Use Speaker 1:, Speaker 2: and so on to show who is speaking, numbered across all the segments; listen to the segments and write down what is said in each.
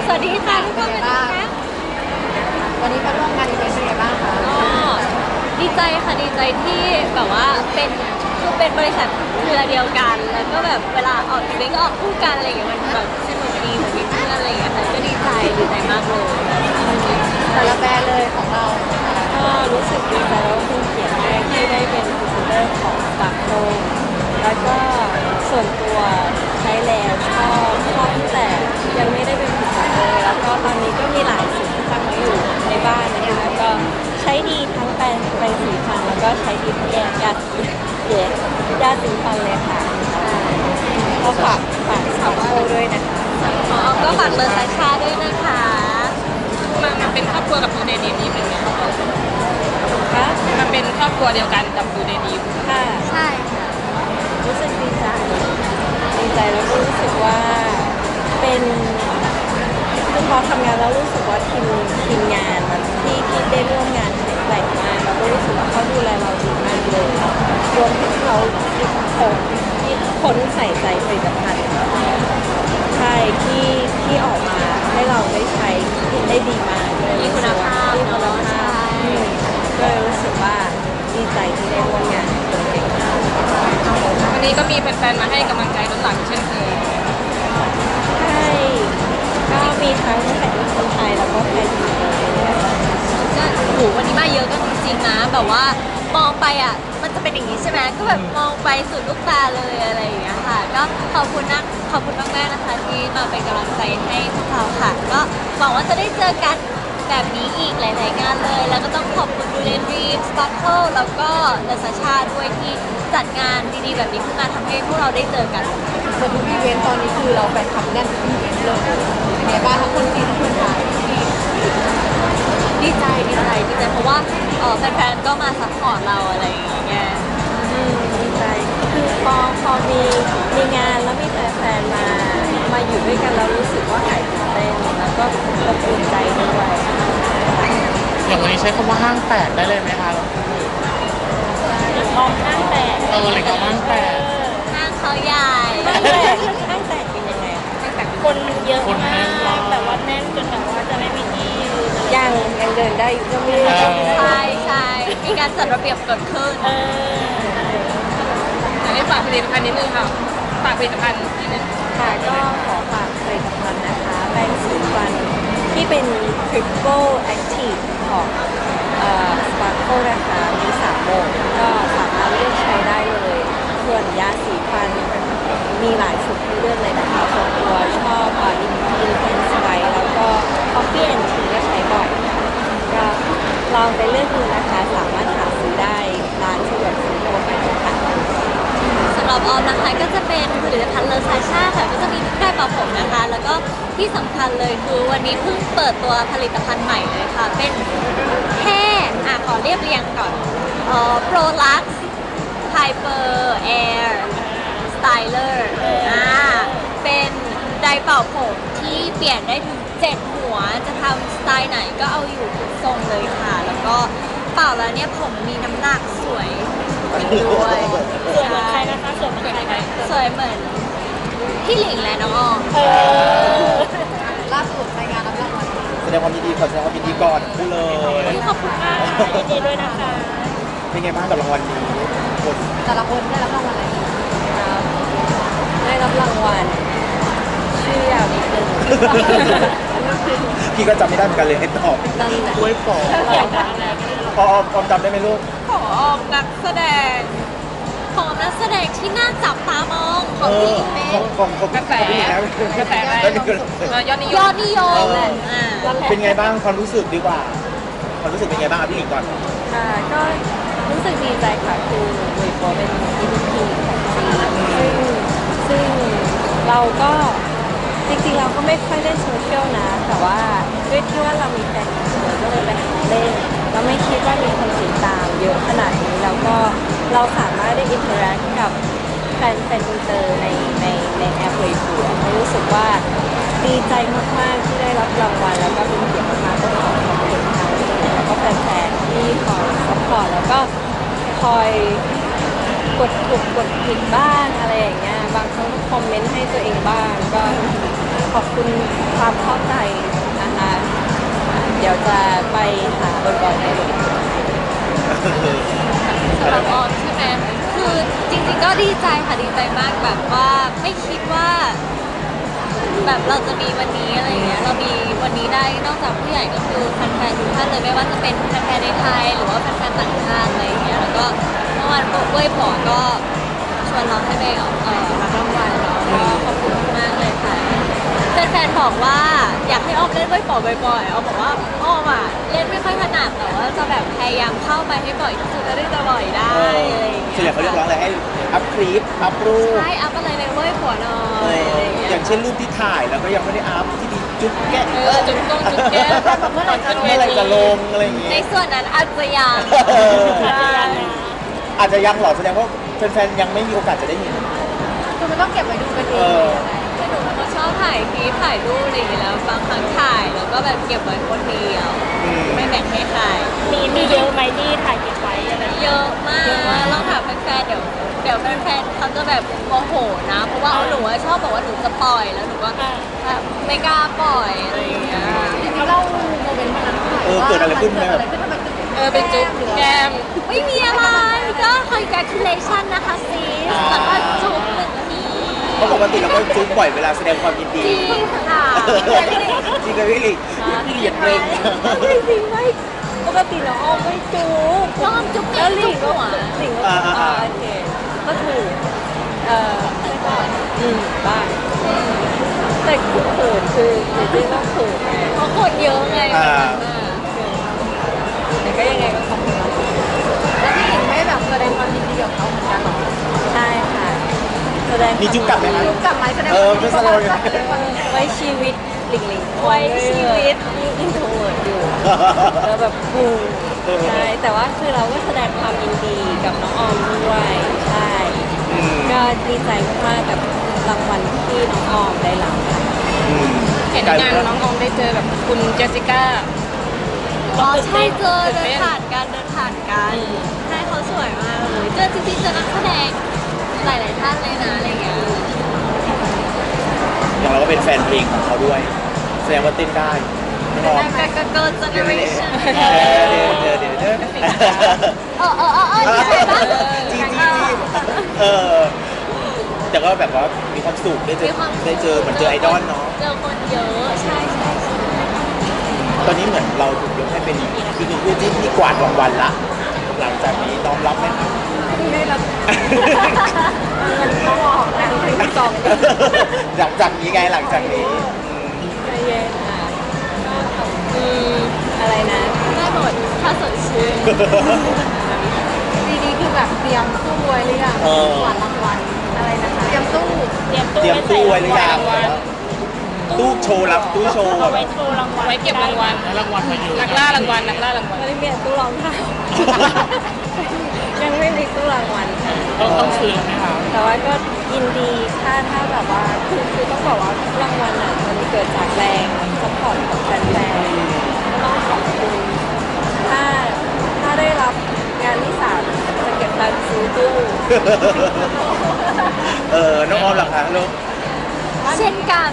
Speaker 1: สวัสดีค่ะทุกคนเป็นไงบ้าง
Speaker 2: วันนี้มาร่วมงานอีเวนต์เป็นไงบ้างคะ
Speaker 1: ก็ดีใจค่ะดีใจที่แบบว่าเป็นบริษัทเครือเดียวกันแล้วก็แบบเวลาออกอีเวนต์ก็ออกคู่กันอะไรอย่างเงี้ยมันแบบสนุกดีเหมือนมีเพื่อนอะไรอย่างเงี้ยค่ะก็ดีใจมากเลย
Speaker 2: แต่ละแบรนด์เลยของเรา
Speaker 3: ก็รู้สึกดีใจแล้วเป็นเกียรติมากที่ได้เป็นพรีเซนเตอร์ของสปาร์คโคแล้วก็ส่วนตัวใช้แล้วชอบตั้งแต่ยังไม่ได้เป็นพรีเซนเตอร์แล้วก็ตอนนี้ก็มีหลายสีที่ตั้งไว้อยู่ในบ้านนะคะก็ใช้ดีทั้งแปรงสีฟันแล้วก็ใช้ดีทั้งยาสีฟันเลยค่ะก็ฝากสปาร์คโคด้วยนะคะ
Speaker 1: ก็ฝากเบอร์ซาชาด้วยนะคะ
Speaker 4: มันเป็นครอบครัวกับดูเดนีนี่เป็นไงครับ
Speaker 3: ค่ะ
Speaker 4: มันเป็นครอบครัวเดียวกันกับดูเดนี
Speaker 3: ค่ะ
Speaker 1: ใช่ค่ะ
Speaker 3: รู้สึกดีใจแล้วก็รู้สึกว่าเป็นคือพอทำงานแล้วรู้สึกว่าทีมงานมันที่ได้ร่วมงานแข็งแกร่งมากแล้วก็รู้สึกว่าเขาดูแลเราดีมากเลยรวมถึงเขาคนใส่ใจผลิตภัณฑ์ใช่ที่ออกมาให้เราได้ใช้ได้ดีมากเลย
Speaker 1: มีคุณภาพ
Speaker 3: มีคุณ
Speaker 1: เนาะ
Speaker 3: ภาพก็เลยรู้สึกว่าดีใจที่ได้ร่วมงานกับเก่งมาก
Speaker 4: วันนี้ก็มีแฟนๆมาให้กำลังใจล้นหลามเช่นเคย
Speaker 3: ใช่ก็มีทั้งแฟนคนไทยแล้วก็แฟนจีนเลย
Speaker 1: ก็โหวันนี้มาเยอะกันจริงๆนะแบบว่ามองไปอ่ะมันจะเป็นอย่างนี้ใช่ไหมก็แบบมองไปสุดลูกตาเลยอะไรอย่างเงี้ยค่ะก็ขอบคุณมากๆนะคะที่มาเป็นกำลังใจให้พวกเราค่ะก็หวังว่าจะได้เจอกันแบบนี้อีกหลายๆงานเลยแล้วก็ต้องขอบคุณดูเลนรีมสปาร์เคิลแล้วก็เลซาชาด้วยที่จัดงานดีๆแบบนี้ขึ้นมาทำให้พวกเราได้เจอกัน
Speaker 2: เหมือนทุกอีเวนต์ตอนนี้คือเราแฟนคลับแน่นทุกอีเวนต์เลยเป็นไงบ้างทั้งคนจีนทั้งคนไทย
Speaker 1: ดีใจเพราะว่าแฟนๆก็มาซัพพอร์ตเราอะไรอย่างเงี้ย
Speaker 3: ดีใจคือพอมีงานแล้วมีแฟนๆมาอยู่ด้วยกันแล้วรู้สึกว่าหายตื่นเต้นแล้วก็อบอุ่นใจด้วย
Speaker 5: อย่างวันนี้ใช้คำว่าห้างแตกได้เลยไหมคะ
Speaker 3: มองห้างแตก
Speaker 5: หรือกับห้างแตก
Speaker 1: ห้างเขาใหญ่
Speaker 3: ห้างแตกเป็นยังไงคะ
Speaker 4: คนเยอะ
Speaker 5: คนแน่นมาก
Speaker 4: แบบว่าแน่นจนแบบว่าจะไม่มีที่ยืน
Speaker 3: ยังเดินได้อยู่ก็มี
Speaker 1: ใช่มีการจัดระเบียบเกิดขึ้น
Speaker 4: อยากให้ฝากผลิตภัณฑ์นิดนึงค่ะฝากผลิตภัณฑ์นิดนึง
Speaker 3: ค่ะก็ขอฝากผลิตภัณฑ์นะคะแปรงสีฟันที่เป็น Triple Active ของSparkle นะคะมี3โหมดก็สามารถเลือกใช้ได้เลยส่วนยาสีฟันมีหลายชุดให้เลือกเลยนะคะส่วนตัวชอบIntense White แล้วก็ Coffee and Tea ก็ใช้บ่อยค่ะก็ลองไปเลือกดูนะคะสามารถหาซื้อได้ร้านสะดวกซื้อทั่วไปค่ะ
Speaker 1: สำหรับออมนะคะก็จะเป็นผลิตภัณฑ์เลอซาชาค่ะก็จะมีทุกแบบเป่าผมนะคะ แล้วก็ที่สำคัญเลยคือวันนี้เพิ่งเปิดตัวผลิตภัณฑ์ใหม่เลยค่ะ เป็นแค่ขอเรียบเรียงก่อนPro Lux Hyper Air Styler เป็นไดร์เป่าผมที่เปลี่ยนได้ถึง7หัวจะทำสไตล์ไหนก็เอาอยู่ทุกทรงเลยค่ะ แล้วก็เป่าแล้วเนี่ยผมมีน้ำหนักสวยด้วย
Speaker 4: สวยเหมือนใครนะคะสวยเหมือนใครไหม
Speaker 1: สวยเหมือนพี่หลิงและน้องออม
Speaker 2: ล่าสุดรายงานรับรางวัล
Speaker 6: แสดงความยินดีขอแสดงความยินดีก่อนพูดเลย
Speaker 1: ขอบคุณมาก
Speaker 4: ยินดีด้วยนะคะ
Speaker 6: เป็นไงบ้างกับรางวัลนี้คน
Speaker 2: แต่ละคนได้รับรางวัลอะไร
Speaker 3: ได้รับรางวัลชื่อยาวนิดนึง
Speaker 6: พี่ก็จำไม่ได้เหมือนกันเลยให้ตอบ
Speaker 3: นั่นแหละ
Speaker 6: ช่วยปอกพอจำได้ไหมลูก
Speaker 1: ของออมนักแสดงของนักแสดงที่น่าจับตามองของพี่หลิงเป็น
Speaker 6: ของ
Speaker 4: กระแส
Speaker 6: พี่แล้ว
Speaker 4: กระแสอะไร ยอดนิย
Speaker 1: ยอ
Speaker 4: ม
Speaker 1: ดนิยมอ่า
Speaker 6: เป็นไงบ้างความรู้สึกดีกว่าความรู้สึกเป็นไงบ้างพี่หลิงก่อน
Speaker 3: ค่ะก็รู้สึกดีใจค่ะคือหลุยส์โปเป็น EVP ของจีนซึ่งเราก็จริงๆเราก็ไม่ค่อยเล่นโซเชียลนะ แต่ว่าด้วยที่ว่าเรามีแฟนคลับเยอะก็เลยไปหาเล่นเราไม่คิดว่ามีคนติดตามเยอะขนาดนี้แล้วก็เราสามารถได้อินเทอร์แอคกับแฟนอินเตอร์ในแอปเลยคือเรารู้สึกว่าดีใจมากๆที่ได้รับรางวัลแล้วก็เป็นเกียรติมากๆก็ขอขอบคุณทางแล้วก็แฟนๆที่คอยซัพพอร์ตแล้วก็คอยกดถูกกดผิดบ้างอะไรอย่างเงี้ยบางครั้งก็คอมเมนต์ให้ตัวเองบ้างก็ขอบคุณความเข้าใจนะคะเดี๋ยวจะไปหาบ่อยๆได้เลย
Speaker 1: สำหรับออมใช่ไหมคือจริงๆก็ดีใจค่ะดีใจมากแบบว่าไม่คิดว่า แบบเราจะมีวันนี้อะไรอย่างเงี้ยเรามีวันนี้ได้นอกจากผู้ใหญ่ก็คือแฟนๆทุกท่านเลยไม่ว่าจะเป็นแฟนๆในไทยหรือว่าแฟนๆต่างชาติอะไรอย่างเงี้ยแล้วก็เมื่อวานเว้ยป๋อก็ชวนเราให้ไปรับรางวัลเนาะก็ขอบคุณมากเลยค่ะแฟนๆบอกว่าอยากให้ออมเล่นเว้ยป๋อบ่อยๆออมบอกว่าออมอ่ะเล่นไม่ค่อยถนัดแต่ว่าจะแบบพยายามเข้าไปให้บ่อยที่สุดเท่าที่จะบ่อยได้อะไรอย่างเงี้ย
Speaker 6: ส่วนใหญ่เขาเรียกร้องอะไรให้อัพคลิปอัพรูป
Speaker 1: ใช่อัพอะไรเลยเว้ยป๋อหน่อยอะไรอย่างเงี้ย
Speaker 6: อย่างเช่นรูปที่ถ่ายแล้วก็ยังไม่ได้อัพที่มีจุ๊บแก้ม
Speaker 4: จุดกงจุดแก้มเมื่อไหร่จะ
Speaker 6: เมื่อไหรจะลงอะไรอย่างเงี้
Speaker 1: ใน
Speaker 6: ย
Speaker 1: ส่วนนั้นอาจจะยัง
Speaker 6: อาจจะยังหรอแสดงว่าแฟนๆยังไม่มีโอกาสจะได้เห็น
Speaker 2: คือมันต้องเก็บไว้ดูกันเอ
Speaker 6: เอง อ
Speaker 1: คือหนูเป็นคนชอบถ่ายคลิปถ่ายรูปอะไรอย่างเงี้ยแล้วบางครั้งถ่ายแล้วก็แบบเก็บไว้คนเดียว
Speaker 6: อืม
Speaker 1: ไม่แบ่งให้ใคร
Speaker 3: มีเยอะไหมที่ถ่ายเก็บไว้อะไร
Speaker 1: เยอะมากลองถามแฟนๆเดี๋ยวแฟนๆเขาจะแบบโมโหนะ เพราะว่าหนูอะชอบบอกว่าหนูจะปล่อยแล้วหนูก็แบบไม่กล้าปล่อยอะไรอย่างเงี้ย
Speaker 2: จริงๆเล่าโมเมนต์วันนั้นหน่อยว่า
Speaker 6: เกิดอะไรขึ้นไหม
Speaker 2: เกิดอะไรขึ้นทำไมถึง
Speaker 4: เป็นจุดแก้ม
Speaker 1: ไม่มีอะไรก็ congratulation นะคะซีสแล้วก็จุ๊บหนึ่งที
Speaker 6: เพราะปกติเราก็จุ๊บบ่อยเวลาแสดงความยินดี
Speaker 1: จริงค่ะ
Speaker 6: จริงเลยพี่ลิพี่เหยียดเรง
Speaker 3: ไม่จริงไม่ปกติน้องออมไม่จูบ
Speaker 1: น้องจุ๊บ
Speaker 3: แล้วห
Speaker 1: จุ๊
Speaker 3: ลิ
Speaker 1: บ
Speaker 3: งก็
Speaker 1: หัว
Speaker 3: หลิงก็โอเคก็ถูกไม่บ้างบ้างแต่คือเขินคือจริงๆต้องเขินไง
Speaker 1: เพราะคนเยอะไง
Speaker 3: แต่ก็ยังไงก็ขอบคุณน้อง
Speaker 2: แล้วพี่หญิงไม่แบบแสดงความยินดีกับเขาเหมือนกันเหรอ
Speaker 3: ใช่ค่ะแสดง
Speaker 6: มีจุ๊บกลับไหมคะ
Speaker 2: จุ๊บกลับไหมแสดง
Speaker 6: เอ
Speaker 2: ควา
Speaker 6: อ
Speaker 2: มยินดี
Speaker 6: ไม่แสดงความยินดี
Speaker 3: ไว้ชีวิตหลิงหลิง
Speaker 1: ไว้ชีวิต
Speaker 3: ยิ่งอินโทรเวิร์ดอยู่แล้วแบบปูใช่แต่ว่าคือเราก็แสดงความยินดีกับน้องออมด้วยใช่
Speaker 6: อืม
Speaker 3: ก็ดีใจมากๆกับรางวัลที่น้องออมได้รับค่ะ
Speaker 6: อืม
Speaker 4: เห็นงานน้องออมได้เจอกับคุณเจสสิก้า
Speaker 1: อ๋อใช่เจอเดินผ่านกันใช่เขาสวยมากเลยเจอจริงๆเจอนักแสดงหลายๆท่านเลยนะอะไรเงี้ย
Speaker 6: อย่างเราก็เป็นแฟนเพลงของเขาด้วย แสดงว่าเต้นได้ไม่ร้อง
Speaker 1: ก็เกิร์ลเจเนอเรชั่น
Speaker 6: เดี๋ยว
Speaker 1: ใช่ปะ
Speaker 6: จริงแต่ก็แบบว่ามีความสุขได้เจอเหมือนเจอไอดอลเนาะ
Speaker 1: เจอคนเยอะใช่
Speaker 6: ตอนนี้เหมือนเราถูกยกให้เป็นอีกหนึ่งคู่จิ้นที่กวาดรางวัลละ หลังจากนี้น้อมรับไหมครับ
Speaker 2: ไม่รับเงินเขาออกแต่งเพลงที่สอง
Speaker 6: หลังจากนี้ไงหลังจากนี้
Speaker 3: ใจเย็นค่ะอะไรนะ
Speaker 1: ได้หมดถ้าสดชื่น
Speaker 2: ปีนี้คือแบบเตรียมตู้ไว้หรือยังกวาดรางวัลอะไรนะคะเตรียมตู้
Speaker 6: เตรียมตู้ไว้หรือยังตู้โชว์รับตู้โชว์แบบ
Speaker 4: ไว้เก็บรางวัล
Speaker 5: แล้วรางวัลมาอยู่
Speaker 4: นักล่ารางวัลนักล่ารางวัล
Speaker 3: ไม่ได้มีตู้รองเท้า ยังไม่มีตู้รางวัลค่ะ
Speaker 5: ต้องซื้อไหมคะ
Speaker 3: แต่ว่าก็ยินดีถ้าแบบว่าคือต้องบอกว่ารางวัลอ่ะมันเกิดจากแรงสปอร์ตของแฟนๆก็ต้องขอบคุณถ้าได้รับงานที่สามจะเก็บตังค์ซื้อตู้
Speaker 6: น้องออมหลังคะลูก
Speaker 1: เช่นกัน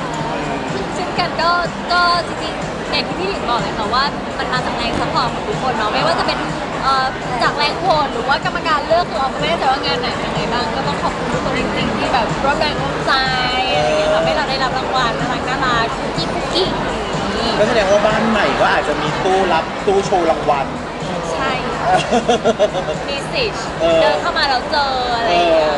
Speaker 1: ก็จริงๆอย่างที่พี่หลิงบอกเลยค่ะว่ามันมาจากแรงซัพพอร์ตของทุกคนเนาะไม่ว่าจะเป็นจากแรงโหวตหรือว่ากรรมการเลือกคือออมก็ไม่แน่ใจว่างานไหนเป็นยังไงบ้างก็ต้องขอบคุณทุกคนจริงๆที่แบบร่วมแรงร่วมใจอะไรอย่างเงี้ยทำให้เราได้รับรางวัลน่ารักคุกกี้อย่างนี้
Speaker 6: ก็แสดงว่าบ้านใหม่ก็อาจจะมีตู้รับตู้โชว์รางวัล
Speaker 1: ใช่มีสิทธิ์เดินเข้ามาแล้วเจออะไรอย่างเงี้ย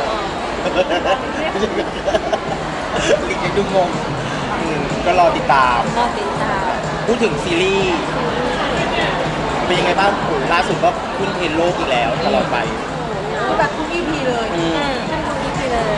Speaker 6: ลิงยังดูงงก็รอติดตาม
Speaker 3: ก็ติดตาม
Speaker 6: พูดถึงซีรีส์เป็นยังไงบ้างโอ้ล่าสุดก็ขึ้นเทรนด์โลกอีกแล้วตลอดไป
Speaker 2: คือแบบทุก EP เลย
Speaker 3: ท่านตรงนี้ไปเลย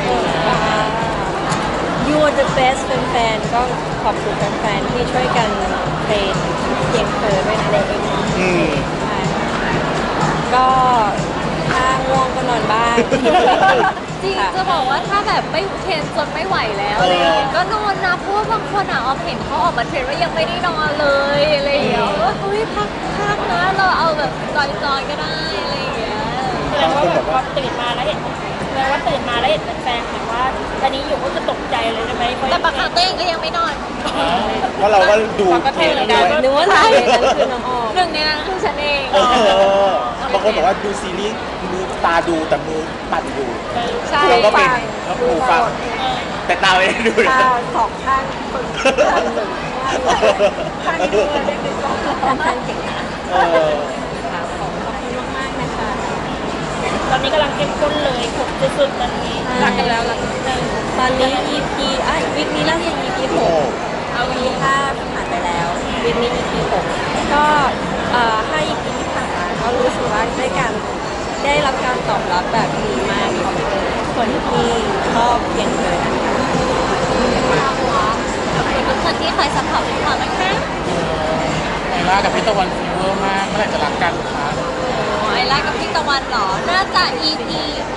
Speaker 3: You are the best แฟนๆก็ขอบคุณแฟนๆที่ช่วยกันเทรนเพียงเธอด้วยนะในเอ็ม
Speaker 6: อืม
Speaker 3: ใช่ก็ถ้าง่วงก็นอนบ้าง
Speaker 1: จริงจะบอกว่าถ้าแบบไม่เทรนจนไม่ไหวแล้วอะไรอย่างเงี้ยก็นอนนะเพราะว่าบางคนอ่ะออมเห็นเขาออกมาเทรนว่ายังไม่ได้นอนเลยอะไรอย่างเงี้ยว่าเฮ้ยพักนะเราเอาแบบจอยๆก็ได้อะไรอย่างเงี้ย
Speaker 6: บางคนแบบว่า
Speaker 3: ตื่นมาแล้วเห็นไหมว่าตื่นมาแล้วเห็นแฟนๆแบบว่าตอนนี้อยู่ก็คือตกใจเลยใช่ไหม
Speaker 1: แต่บางครั้งตัวเองก็ยังไม่นอน
Speaker 6: เพราะเราก็ดู
Speaker 4: ก็
Speaker 6: เท
Speaker 4: เท
Speaker 6: ป
Speaker 4: เหมือน
Speaker 6: ด้
Speaker 4: กัน
Speaker 6: วย
Speaker 3: นึกว่าใช่นั้นคือน้องออม
Speaker 1: หนึ่งในนั้นคือฉันเอง
Speaker 6: บางคนบอกว่าดูซีรีส์มือตาดูแต่มือปั่นอยู่
Speaker 1: ใช่
Speaker 6: เราก็เป็นแล้วหูฟังแต่ตาไม่ได้ดูนะ
Speaker 3: ตาสองข้างฝึกข้างหนึ่งข้างนี้ด้วยเด็กๆก็ข้างเก่งนะ
Speaker 6: เออ
Speaker 3: ขอบคุณมากๆนะคะตอนนี้กำลังเข้มข้นเลยขบสุดๆตอนนี้รักกันแล้วรักกันตอนนี้ EP วิกนี้แล้วยัง EP
Speaker 6: โอ้
Speaker 3: 6เอา EP 5ผ่านไปแล้ววิกนี้ EP 6ก็5 EP ที่ผ่านมาก็รู้สึกว่าได้รับการตอบรับแบบดีมากขอบคุณคนที่ชอบเพียงเธอนะคะ
Speaker 1: ขอบคุณทุกคนที่คอยซัพพอร์ตพวกเรานะคะ
Speaker 5: ไอล่ากับพี่ตะวันฟีเวอร์มากเมื่อไหร่จะรักกันคะ
Speaker 1: ไอล่ากับพี่ตะวันเหรอ น่าจะ EP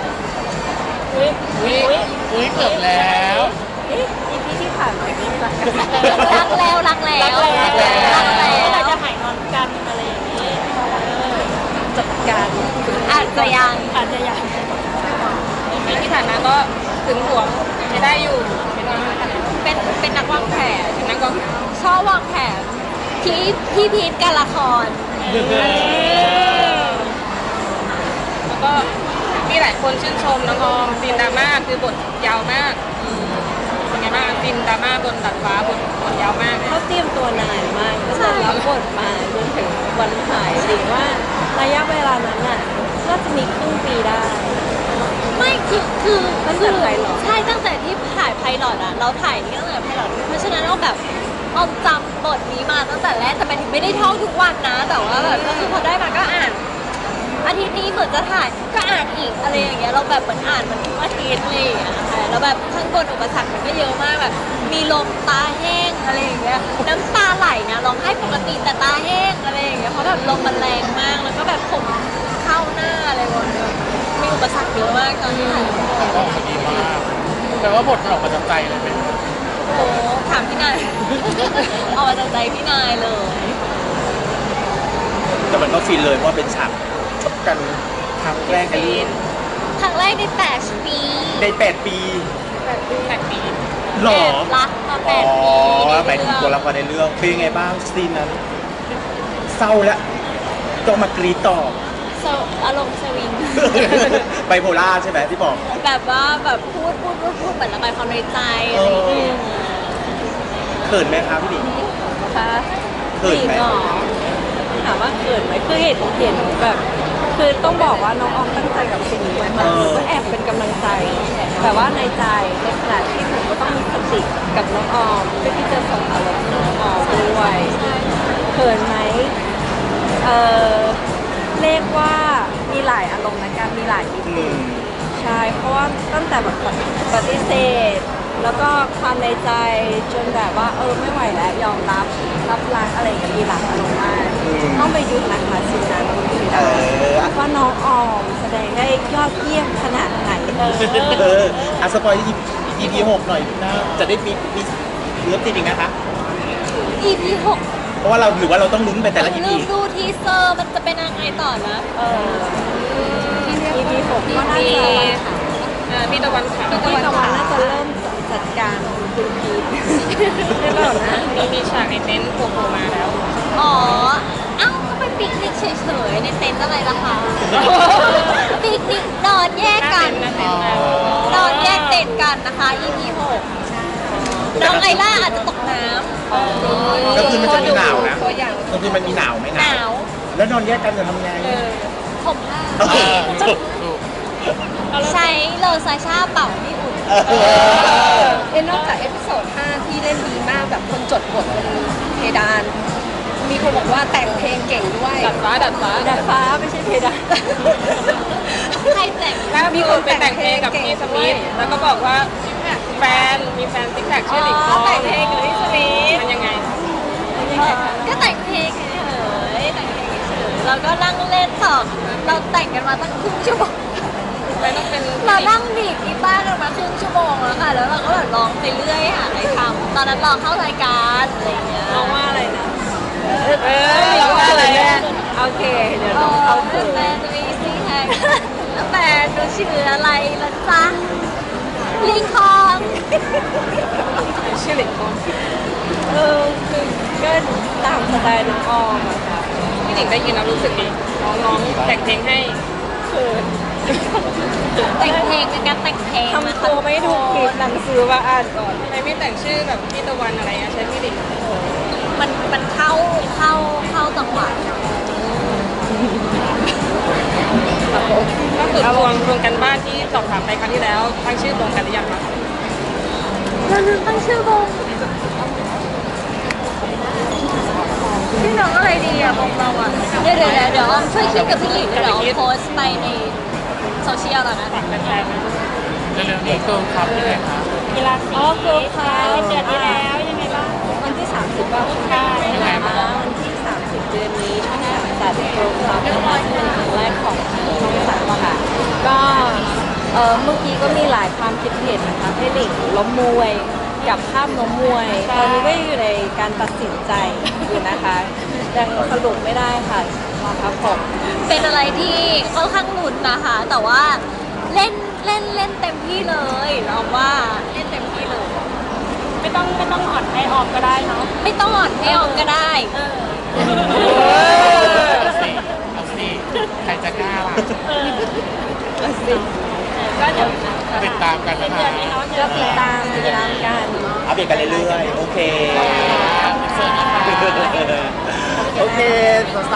Speaker 5: อุ้ยเกือบแล้ว
Speaker 3: EP ที่ผ่านมานี้รักกัน
Speaker 1: รักแล้วรักแล้วรักแล้ว
Speaker 3: เราจะหายงอนกันอะไรอย่างนี้จัดการ
Speaker 1: อาจจะยัง
Speaker 3: อาจจะอยาก
Speaker 4: ปีที่ผ่านมาก็ถึงห่วงจะได้อยู่เป็นนักขนาด
Speaker 1: เป็นนักวางแผน
Speaker 4: เป็นนักกอง
Speaker 1: ชอบวางแผนที่พี่พีทการละคร
Speaker 4: แล้วก็มีหลายคนชื่นชมน้องออมซีนดราม่าคือบทยาวมากเป็นไงบ้างซีนดราม่าบนดาดฟ้าบทยาวมากเลย
Speaker 3: เขาเตรียมตัวนานมากตั้งแต่รับบทมาจนถึงวันถ่ายจริงว่าระยะเวลานั้นน่ะน่าจะมีครึ่งปีได้
Speaker 1: ไม่คือ
Speaker 3: ตั้งแต่ไพลอต
Speaker 1: ใช่ตั้งแต่ที่ถ่ายไพลอตอะเราถ่ายนี่ตั้งแต่ไพลอตเพราะฉะนั้นเราแบบออมจำบทนี้มาตั้งแต่แรกแต่มันไม่ได้ท่องทุกวันนะ แต่ว่าแบบก็คือพอได้มาก็อ่านอาทิตย์นี้เหมือนจะถ่ายก็อ่านอีกอะไรอย่างเงี้ยเราแบบเหมือนอ่านมันทุกอาทิตย์อะไรอย่างเลยค่ะแล้วแบบข้างบนอุปสรรคมันก็เยอะมากแบบมีลมตาแห้งอะไรอย่างเงี้ยน้ำตาไหลนะร้องไห้ปกติแต่ตาแห้งอะไรอย่างเงี้ยเพราะแบบลมมันแรงมากแล้วก็แบบผมเข้าหน้าอะไรหมดเลยมีอุปสรรคเยอะมากตอนที่ถ่าย
Speaker 5: ออกมาดีมากแปลว่าบทมันออกมาจากใจเลยเป็น
Speaker 1: โอ้ถามพี่นาย เอามาจากใจพี่นายเลย
Speaker 6: แต่มันก็ฟินเลยเพราะว่าเป็นฉากชกกันครั้งแรกในเรื่อง
Speaker 1: ครั้งแรกใน8 ปี
Speaker 6: ใน8 ปี
Speaker 4: 8 ปี
Speaker 6: หรอ
Speaker 1: แอบรักมา
Speaker 6: อ๋อ
Speaker 1: 8 ปี
Speaker 6: หมายถึงตัวละครในเรื่องเป็นยังไงบ้างซีนนั้น เศร้าแล้วต้องมากรีดต่อ
Speaker 1: โซอารมณ์สวิง
Speaker 6: ไบโพล่าใช่ไหมที่บอก
Speaker 1: แบบว่าแบบพูดเหมือนระบายความในใจอะไรอย่างเงี้ย
Speaker 6: เขินไหมครับพี่หนิง
Speaker 3: คะ
Speaker 6: เขินไหม
Speaker 3: จริงเหรอถามว่าเขินไหมคือเห็นแบบ คือต้องบอกว่าน้องออมตั้งใจกับสิ่งนี้มากๆหนูก็แอบเป็นกำลังใจ แต่ว่าในใจในขณะที่หนูก็ต้องมีสติกับน้องออมเพื่อที่จะส่งอารมณ์ให้น้องออมด้วยเขินไหมเรียกว่ามีหลายอารมณ์นะการมีหลายมิ
Speaker 6: อื
Speaker 3: ติ
Speaker 6: ม
Speaker 3: ใช่เพราะว่าตั้งแต่แบบปฏิเสธ แล้วก็ความในใจจนแบบว่าไม่ไหวแล้วยอมรับรักอะไรกันมีหลายอารมณ์มาก
Speaker 6: อืม
Speaker 3: ต้องไปดูนะคะซีนนั้นดู
Speaker 6: เอ
Speaker 3: ได้
Speaker 6: อ
Speaker 3: ว่าน้องออมแสดงได้ยอดเยี่ยมขนาดไหน
Speaker 6: สปอยที่ EP 6 หน่อยนะจะได้มีเริ่มติดอีกนะคะ
Speaker 1: EP 6
Speaker 6: เพราะว่าเราหรือว่าเราต้องลุ้นไปแต่ละ EP
Speaker 1: ลืมดูทีเซอร์มันจะเป็นยังไงต่อนะ
Speaker 3: EP 6ก็น่าจะ
Speaker 4: พี่ตะวันขาว
Speaker 3: พี่ตะวันน่าจะเริ่มจัดการคุณพีทได้เปล่านะ
Speaker 4: มีฉากในเต็นท์โผล่มาแล้ว
Speaker 1: อ๋อ เอ้าก็ไปปิกนิกเฉยๆในเต็นท์อะไรล่ะคะ ปิกนิกนอนแยกกัน
Speaker 4: หน้าเต็นท์นะ
Speaker 1: นอนแยกเต็นท์กันนะคะ EP 6น้องไอล่าอาจจะตกน้ำ
Speaker 6: ก็คือมันจะมีหนาวนะ
Speaker 4: ตัวอย่าง
Speaker 6: ก็คือมันมีหนาวไหม
Speaker 1: หนาว
Speaker 6: แล้วนอนแยกกันจะทำไง
Speaker 1: ผมผ้า
Speaker 6: เออ
Speaker 1: ใช้เลอซาชาเป่าให้อุ่น
Speaker 2: นอกจากเอพิโซด 5 ที่เล่นดีมากแบบคนจดบทบนเพดาน มีคนบอกว่าแต่งเพลงเก่งด้วย
Speaker 4: ดัดฟ้า
Speaker 3: ดาดฟ้าไม่ใช่เพดาน
Speaker 1: ใครแต่ง
Speaker 4: แล้วมีคนไปแต่งเพลงกับพี่สมิธแล้วก็บอกว่ามีแฟนซิกแพคชื่อหลิงทอง
Speaker 1: แต่งเพลงกับพี่สมิธ
Speaker 4: มันยังไง
Speaker 1: ก็แต่งเพลงเฉยๆแต่งเพลงเฉยๆเราก็นั่งเล่นต่อเราแต่งกันมาตั้งครึ่งชั่วโมง
Speaker 4: เลยต้องเป็น
Speaker 1: เรานั่งดีดกีตาร์กันมาครึ่งชั่วโมงแล้วค่ะ แล้วเราก็แบบร้องไปเรื่อยหาอะไรทำตอนนั้นรอเข้ารายการอะไรอย่างเงี้ย
Speaker 3: น้องว่าอะไรนะ
Speaker 4: เราว่าอะไรเนี่ย
Speaker 3: โอเค เดี๋ยว
Speaker 1: อ๋
Speaker 3: น้
Speaker 1: อ
Speaker 3: องเข้า
Speaker 1: เป็
Speaker 3: ถึ
Speaker 1: น
Speaker 3: ง
Speaker 1: แฟนจะมีซีแฮกแฟนหนูชื่ออะไรล่ะจ๊ะลิงคอง
Speaker 4: ชื่อหลิงคอง
Speaker 3: คือก็ตามสไตล์น้องออมอะค่ะ
Speaker 4: พี่หลิงได้ยินแล้วรู้สึกดีน้องๆแต่งเพลงให้
Speaker 3: คือ
Speaker 1: แต่งเพลงเป็นการแต่งเพลง
Speaker 3: ทำตัวไม่ถูกผิดหนังสือมาอ่านก่อน
Speaker 4: ทำไมไม่แต่งชื่อแบบพี่ตะวันอะไรอะใช้พี่หลิง
Speaker 1: มันเข้าจังหวะ
Speaker 4: ล่าสุดทวงกันบ้านที่สอบถามไปครั้งที่แล้วตั้งชื่อตรงกันหรือยังคะ
Speaker 1: เราลืมตั้งชื่อวงชื่อน้องอะไรดีอ่ะวงเราอ่ะเดี๋ยวออมช่วยคิดกับพี่หลิงเดี๋ยวออมโพสต์ไปในโซเชียลแล้วนะ
Speaker 5: เร็วๆนี้เกิร์ลคัพยังไงคะ
Speaker 3: กีฬาสีเกิร์ลคลับเดือนที่แล้วยังไงบ้างวันที่ 30ก็ได้นะคะวันที่ 30 เดือนนี้ช่อง3จัดเกิร์ลคลับนะคะซึ่งเป็นครั้งแรกของช่อง3อะค่ะก็เมื่อกี้ก็มีหลายความคิดเห็นนะคะให้หลิงล้มมวยกับภาพล้มมวย ตอนนี้ก็อยู่ในการตัดสินใจอยู่นะคะยังสรุปไม่ได้ค่ะครับผม
Speaker 1: เป็นอะไรที่ค่อนข้างลุ้นนะคะ แต่ว่าเล่นเต็มที่เลยเราว่าเล่นเต็มที่เลย
Speaker 3: ไม่ต้องอ่อนให้ออมก็ได้เนาะ
Speaker 1: ไม่ต้องอ่อนให้ออมก็ได้
Speaker 5: เอาสิใครจะกล้าล่ะ
Speaker 3: ก็เดี๋ยว
Speaker 5: ติดตามกันนะคะ
Speaker 3: ก็ติดตามกัน
Speaker 6: อัปเดตกันเรื่อยๆ โอเค
Speaker 5: เชิญนะคะ
Speaker 6: โอเคสาวๆ